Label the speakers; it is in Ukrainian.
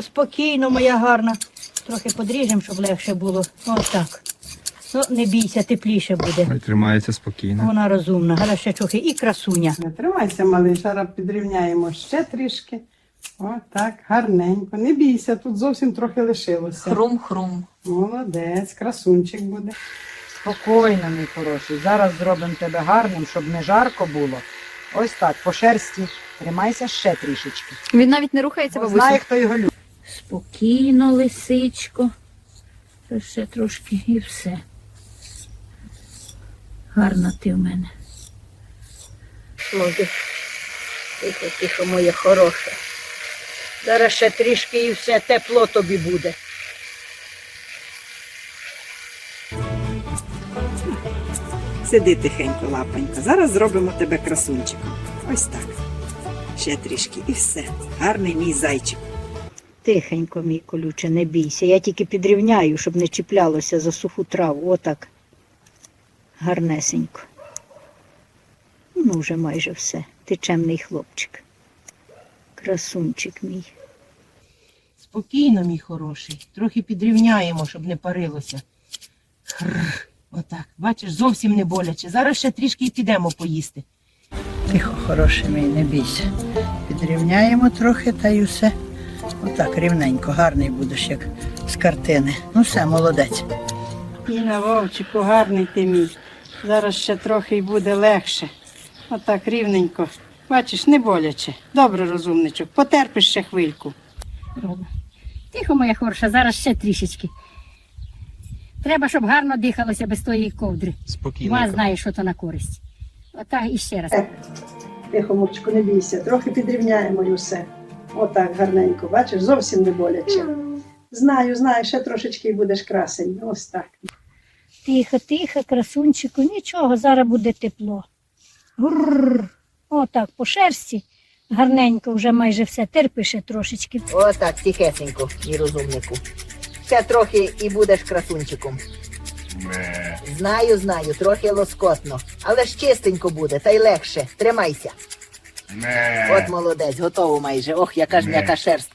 Speaker 1: спокійно, моя гарна. Трохи подріжемо, щоб легше було. Ось так. Ну, не бійся, тепліше буде.
Speaker 2: Ой, тримається спокійно.
Speaker 1: Вона розумна, гарна ще трохи і красуня.
Speaker 3: Не тримайся, малий, зараз підрівняємо ще трішки. О, так, гарненько. Не бійся, тут зовсім трохи лишилося.
Speaker 4: Хрум-хрум.
Speaker 3: Молодець, красунчик буде.
Speaker 5: Спокійно, мій хороший. Зараз зробимо тебе гарним, щоб не жарко було. Ось так, по шерсті. Тримайся ще трішечки.
Speaker 4: Він навіть не рухається,
Speaker 5: Бо
Speaker 4: бабусю.
Speaker 5: знає, хто його любить.
Speaker 1: Спокійно, лисичко. Ще трошки і все. Гарна ти в мене. Може, тихо, тихо, моє хороше. Зараз ще трішки і все, тепло тобі буде.
Speaker 6: Сиди тихенько, лапонько. Зараз зробимо тебе красунчиком. Ось так. Ще трішки і все. Гарний мій зайчик.
Speaker 1: Тихенько, мій колюче, не бійся. Я тільки підрівняю, щоб не чіплялося за суху траву. Отак. Гарнесенько. Ну, вже майже все. Ти чемний хлопчик. Красунчик мій.
Speaker 7: Спокійно, мій хороший. Трохи підрівняємо, щоб не парилося. Хрррр. Отак. Бачиш, зовсім не боляче. Зараз ще трішки і підемо поїсти.
Speaker 5: Тихо, хороший мій, не бійся. Підрівняємо трохи та й усе. Отак, рівненько, гарний будеш, як з картини. Ну все, молодець.
Speaker 3: Іна, Вовчику, гарний ти мій. Зараз ще трохи і буде легше. Отак, рівненько. Бачиш, не боляче. Добре, розумничок. Потерпиш ще хвильку.
Speaker 8: Тихо, моя хороша, зараз ще трішечки. Треба, щоб гарно дихалося без тої ковдри.
Speaker 2: Спокійно.
Speaker 8: Ма знає, що то на користь. Отак і ще раз.
Speaker 3: Тихо, Мурчику, не бійся. Трохи підрівняємо і все. Отак, гарненько. Бачиш, зовсім не боляче. Знаю, ще трошечки і будеш красень. Ось так.
Speaker 8: Тихо, тихо, красунчику, нічого, зараз буде тепло. Гурр. Отак, по шерсті. Гарненько, вже майже все. Терпи ще трошечки.
Speaker 4: Отак, тихесенько, мій розумнику. Ще трохи і будеш красунчиком. Знаю, трохи лоскотно. Але ж чистенько буде, та й легше. Тримайся. От молодець, готово майже. Ох, яка ж м'яка шерсть.